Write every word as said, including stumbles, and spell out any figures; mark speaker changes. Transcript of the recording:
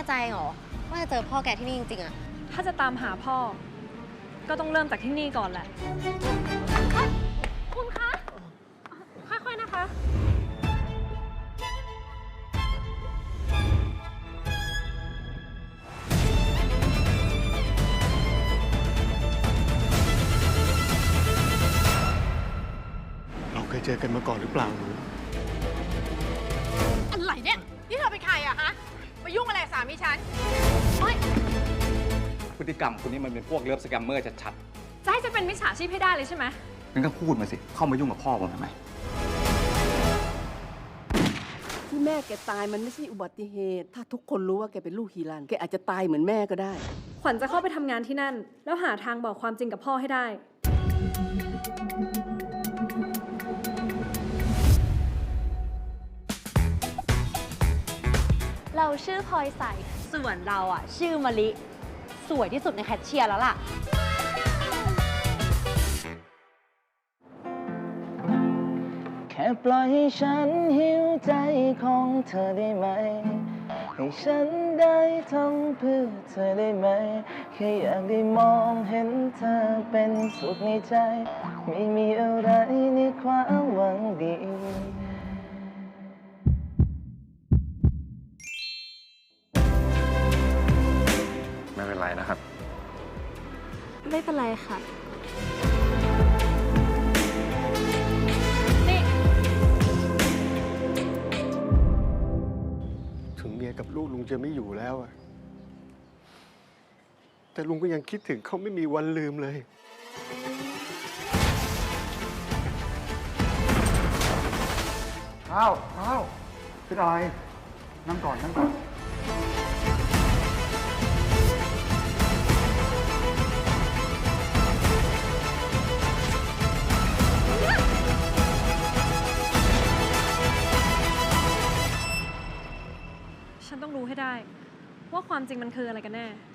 Speaker 1: ใจเหรอว่าจะเจอพ่อแกที่นี่จริงๆอะ
Speaker 2: ถ้าจะตามหาพ่อก็ต้องเริ่มจากที่นี่ก่อนแหละคุณคะค่อยๆนะคะ
Speaker 3: เราเคยเจอกันมาก่อนหรือเปล่าหนู
Speaker 4: อะไรเนี่ยนี่เธอเป็นใครอะฮะมายุ่งอะไรสามีฉัน
Speaker 5: พฤติกรรมคุณนี่มันเป็นพวกเลิฟสแกมเมอร์ชัด
Speaker 2: จะให้จะเป็นมิจฉาชีพให้ได้เลยใช่ไหม
Speaker 5: ๆงั้นก็พูดมาสิ เข้ามายุ่งกับพ่อผมทำไม
Speaker 6: ที่แม่แกตายมันไม่ใช่อุบัติเหตุ ถ้าทุกคนรู้ว่าแกเป็นลูกฮีรันแกอาจจะตายเหมือนแม่ก็ได้
Speaker 2: ขวัญจะเข้าไปทำงานที่นั่น แล้วหาทางบอกความจริงกับพ่อให้ได้
Speaker 1: เราชื่อพลอยใสส่วนเราอะชื่อมะลิสวยที่สุดในแคชเชียร์แล้วล่ะ
Speaker 7: แค่ปล่อยให้ฉันหิวใจของเธอได้ไหมให้ฉันได้ทำเพื่อเธอได้ไหมแค่อยากได้มองเห็นเธอเป็นสุขในใจไม่มีอะไรในความหวังดี
Speaker 5: ไม่เป็นไรนะครับ
Speaker 2: ไม่เป็นไรค่ะ
Speaker 3: ถึงเมียกับลูกลุงจะไม่อยู่แล้วอะแต่ลุงก็ยังคิดถึงเขาไม่มีวันลืมเลย
Speaker 5: อ้าวอ้าวเป็นอะไรนั่งก่อนนั่งก่อน
Speaker 2: ฉันต้องรู้ให้ได้ว่าความจริงมันคืออะไรกันแน่